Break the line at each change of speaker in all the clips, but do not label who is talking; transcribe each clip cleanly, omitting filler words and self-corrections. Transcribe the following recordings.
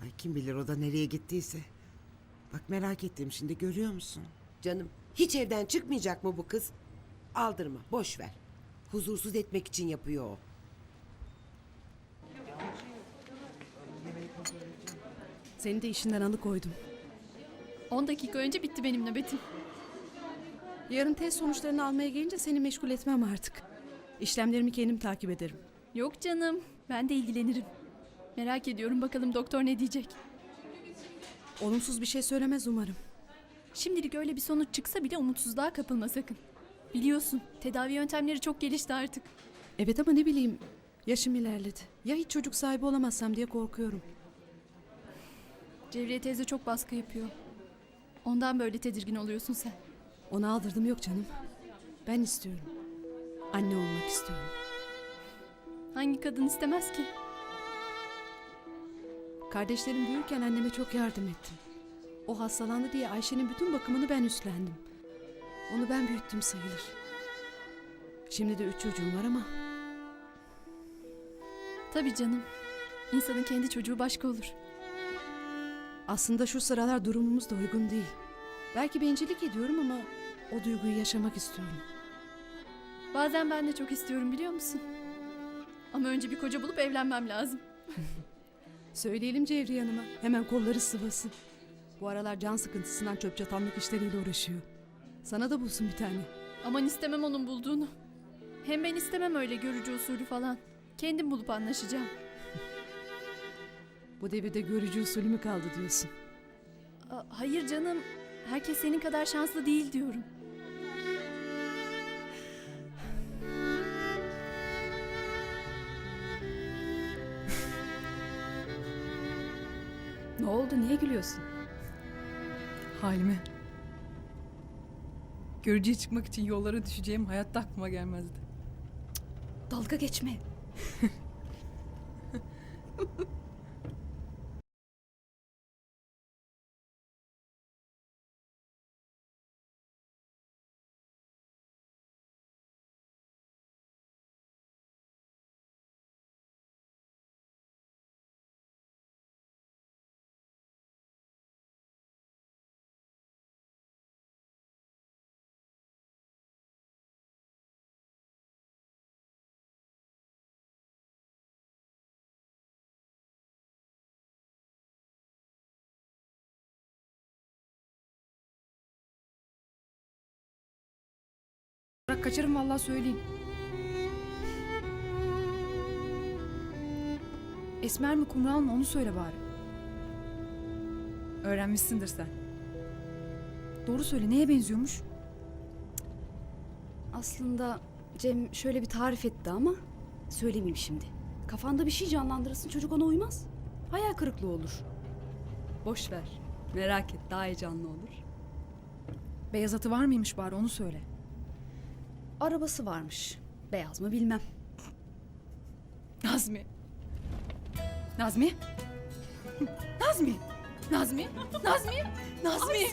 Ay kim bilir o da nereye gittiyse. Bak merak ettim şimdi, görüyor musun?
Canım, hiç evden çıkmayacak mı bu kız? Aldırma, boş ver. Huzursuz etmek için yapıyor o.
Seni de işinden alıkoydum.
10 dakika önce bitti benim nöbetim.
Yarın test sonuçlarını almaya gelince seni meşgul etmem artık. İşlemlerimi kendim takip ederim.
Yok canım, ben de ilgilenirim. Merak ediyorum bakalım doktor ne diyecek.
Olumsuz bir şey söylemez umarım.
Şimdilik öyle bir sonuç çıksa bile umutsuzluğa kapılma sakın. Biliyorsun, tedavi yöntemleri çok gelişti artık.
Evet ama ne bileyim, yaşım ilerledi. Ya hiç çocuk sahibi olamazsam diye korkuyorum.
Cevriye teyze çok baskı yapıyor. Ondan böyle tedirgin oluyorsun sen.
Ona aldırdım yok canım. Ben istiyorum. Anne olmak istiyorum.
Hangi kadın istemez ki?
Kardeşlerim büyürken anneme çok yardım ettim. O hastalandı diye Ayşe'nin bütün bakımını ben üstlendim. Onu ben büyüttüm sayılır. Şimdi de 3 çocuğum var ama
Tabii canım. İnsanın kendi çocuğu başka olur.
aslında şu sıralar durumumuz da uygun değil. Belki bencillik ediyorum ama o duyguyu yaşamak istiyorum.
Bazen ben de çok istiyorum biliyor musun? Ama önce bir koca bulup evlenmem lazım.
Söyleyelim Cevriye Hanım'a. Hemen kolları sıvasın. Bu aralar can sıkıntısından çöp çatanlık işleriyle uğraşıyor. Sana da bulsun bir tane.
Aman istemem onun bulduğunu. Hem ben istemem öyle görücü usulü falan. Kendim bulup anlaşacağım.
Bu devirde görücü usulü mü kaldı diyorsun?
Hayır canım. Herkes senin kadar şanslı değil diyorum.
Ne oldu? Niye gülüyorsun?
Halime. Görücüye çıkmak için yollara düşeceğim hayatta aklıma gelmezdi.
Dalga geçme. Bırak kaçarım vallahi söyleyeyim. Esmer mi kumral mı onu söyle bari.
Öğrenmişsindir sen.
Doğru söyle neye benziyormuş? Aslında Cem şöyle bir tarif etti ama söylemeyeyim şimdi. Kafanda bir şey canlandırırsın çocuk ona uymaz. Hayal kırıklığı olur. Boş ver. Merak et daha heyecanlı olur.
Beyaz atı var mıymış bari onu söyle.
Arabası varmış. Beyaz mı bilmem.
Nazmi. Nazmi. Nazmi. Nazmi. Nazmi. Nazmi.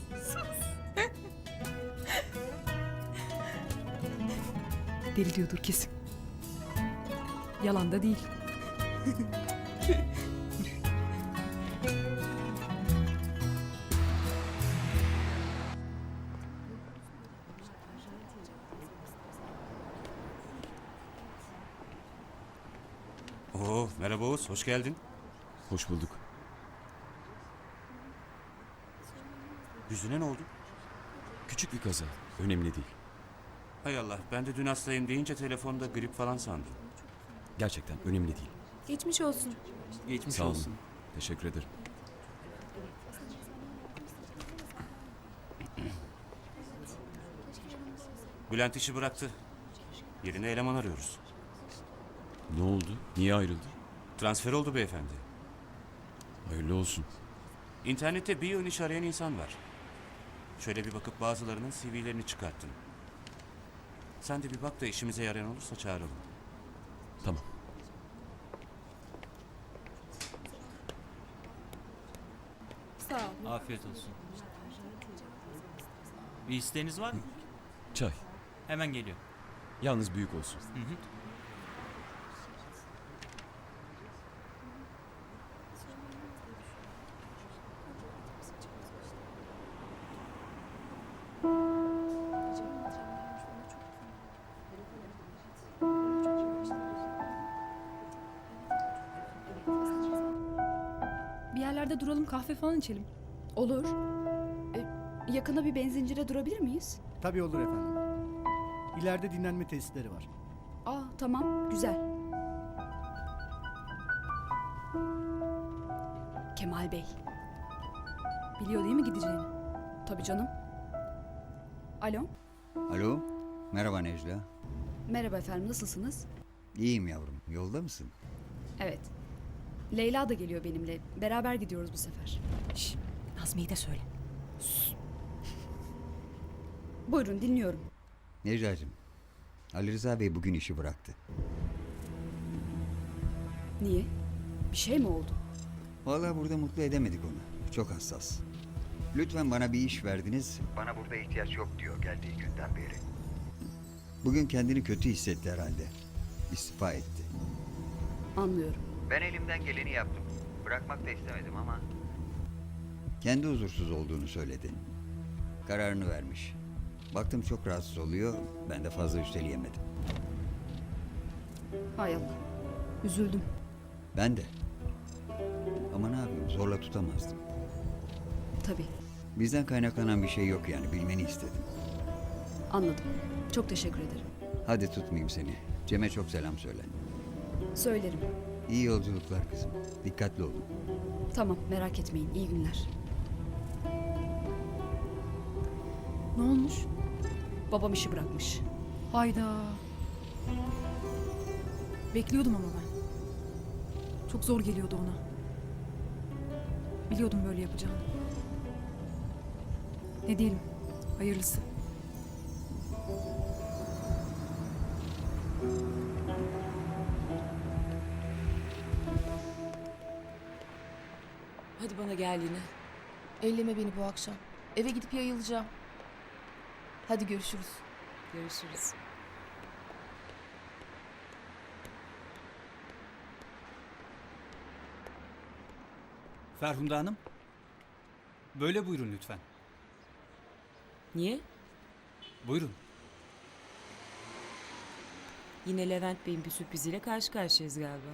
Deli diyordur kesin. Yalan da değil.
Oo, merhaba Oğuz, hoş geldin.
Hoş bulduk.
Yüzüne ne oldu?
Küçük bir kaza. Önemli değil.
Hay Allah, ben de dün hastayım deyince telefonda grip falan sandım.
Gerçekten önemli değil.
Geçmiş olsun.
Geçmiş
Sağ olun.
olsun.
Teşekkür ederim.
Bülent işi bıraktı. Yerine eleman arıyoruz.
Ne oldu? Niye ayrıldı?
Transfer oldu beyefendi.
Hayırlı olsun.
İnternette bir yığın iş arayan insan var. Şöyle bir bakıp bazılarının CV'lerini çıkarttım. Sen de bir bak da işimize yarayan olursa çağıralım.
Tamam.
Sağ ol.
Afiyet olsun. Bir isteğiniz var mı?
Çay.
Hemen geliyor.
Yalnız büyük olsun.
Hı hı.
yerlerde duralım, kahve falan içelim.
Olur. Yakında bir benzincide durabilir miyiz?
Tabii olur efendim. İleride dinlenme tesisleri var.
Aa tamam, güzel. Kemal Bey.
Biliyor değil mi gideceğini?
Tabii canım. Alo.
Alo, merhaba Necla.
Merhaba efendim, nasılsınız?
İyiyim yavrum, yolda mısın?
Evet. Leyla da geliyor benimle. Beraber gidiyoruz bu sefer.
Nazmi'yi de söyle.
Buyurun, dinliyorum.
Necla'cığım, Ali Rıza Bey bugün işi bıraktı.
Niye? Bir şey mi oldu?
Vallahi burada mutlu edemedik onu. Çok hassas. Lütfen bana bir iş verdiniz. Bana burada ihtiyaç yok diyor geldiği günden beri. Bugün kendini kötü hissetti herhalde. İstifa etti.
Anlıyorum.
Ben elimden geleni yaptım. Bırakmak da istemedim ama... Kendi huzursuz olduğunu söyledi. Kararını vermiş. Baktım çok rahatsız oluyor. Ben de fazla üsteleyemedim.
Hay Allah. Üzüldüm.
Ben de. Ama ne yapayım, zorla tutamazdım.
Tabii.
Bizden kaynaklanan bir şey yok yani, bilmeni istedim.
Anladım. Çok teşekkür ederim.
Hadi tutmayayım seni. Cem'e çok selam söyle.
Söylerim.
İyi yolculuklar kızım. Dikkatli olun.
Tamam, merak etmeyin. İyi günler.
Ne olmuş?
Babam işi bırakmış.
Hayda. Bekliyordum ama ben. Çok zor geliyordu ona. Biliyordum böyle yapacağını. Ne diyelim? Hayırlısı.
Hadi bana gel yine.
Elleme beni bu akşam. Eve gidip yayılacağım. Hadi görüşürüz.
Görüşürüz.
Ferhunda Hanım. Böyle buyurun lütfen.
Niye?
Buyurun.
Yine Levent Bey'in bir sürpriziyle karşı karşıyayız galiba.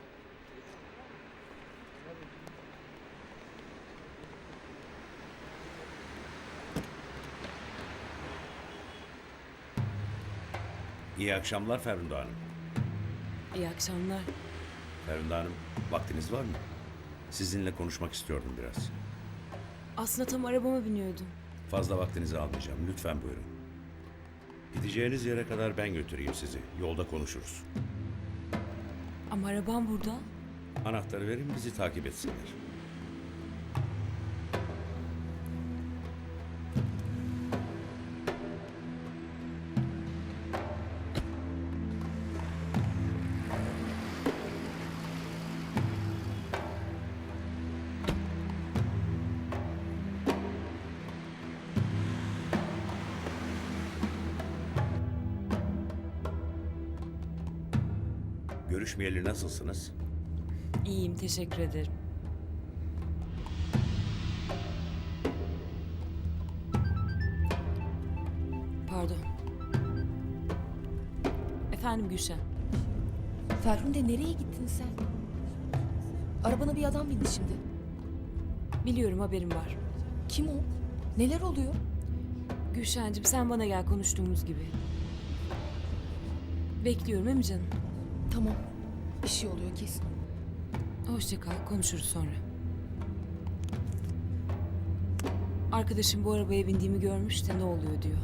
İyi akşamlar Ferhunda Hanım.
İyi akşamlar.
Ferhunda Hanım, vaktiniz var mı? Sizinle konuşmak istiyordum biraz.
Aslında tam arabama biniyordum.
Fazla vaktinizi almayacağım. Lütfen buyurun. Gideceğiniz yere kadar ben götüreyim sizi. Yolda konuşuruz.
Ama arabam burada.
Anahtarı verin, bizi takip etsinler. Görüşmeyeli nasılsınız?
İyiyim, teşekkür ederim. Pardon. Efendim Gülşen.
Ferhunde nereye gittin sen? Arabana bir adam bindi şimdi.
Biliyorum, haberim var.
Kim o? Neler oluyor?
Gülşen'cim sen bana gel, konuştuğumuz gibi. Bekliyorum, değil mi canım?
Tamam. Bir şey oluyor kesin.
Hoşça kal, konuşuruz sonra. Arkadaşım bu arabaya bindiğimi görmüş de ne oluyor diyor.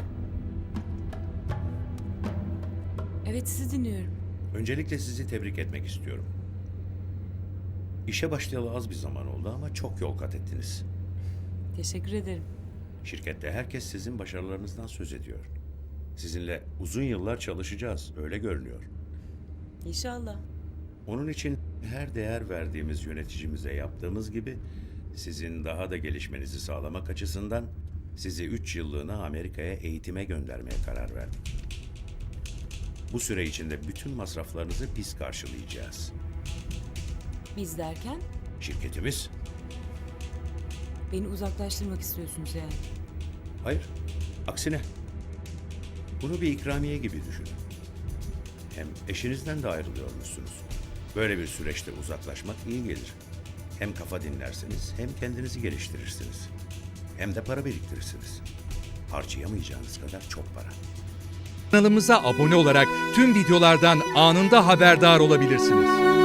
Evet, sizi dinliyorum.
Öncelikle sizi tebrik etmek istiyorum. İşe başlayalı az bir zaman oldu ama çok yol kat ettiniz.
Teşekkür ederim.
Şirkette herkes sizin başarılarınızdan söz ediyor. Sizinle uzun yıllar çalışacağız, öyle görünüyor.
İnşallah.
Onun için her değer verdiğimiz yöneticimize yaptığımız gibi sizin daha da gelişmenizi sağlamak açısından sizi 3 yıllığına Amerika'ya eğitime göndermeye karar verdik. Bu süre içinde bütün masraflarınızı biz karşılayacağız.
Biz derken
Şirketimiz?
beni uzaklaştırmak istiyorsunuz yani.
Hayır, aksine. Bunu bir ikramiye gibi düşünün. Hem eşinizden de ayrılıyormuşsunuz. Böyle bir süreçte uzaklaşmak iyi gelir. Hem kafa dinlersiniz hem kendinizi geliştirirsiniz. Hem de para biriktirirsiniz. Harcayamayacağınız kadar çok para.
Kanalımıza abone olarak tüm videolardan anında haberdar olabilirsiniz.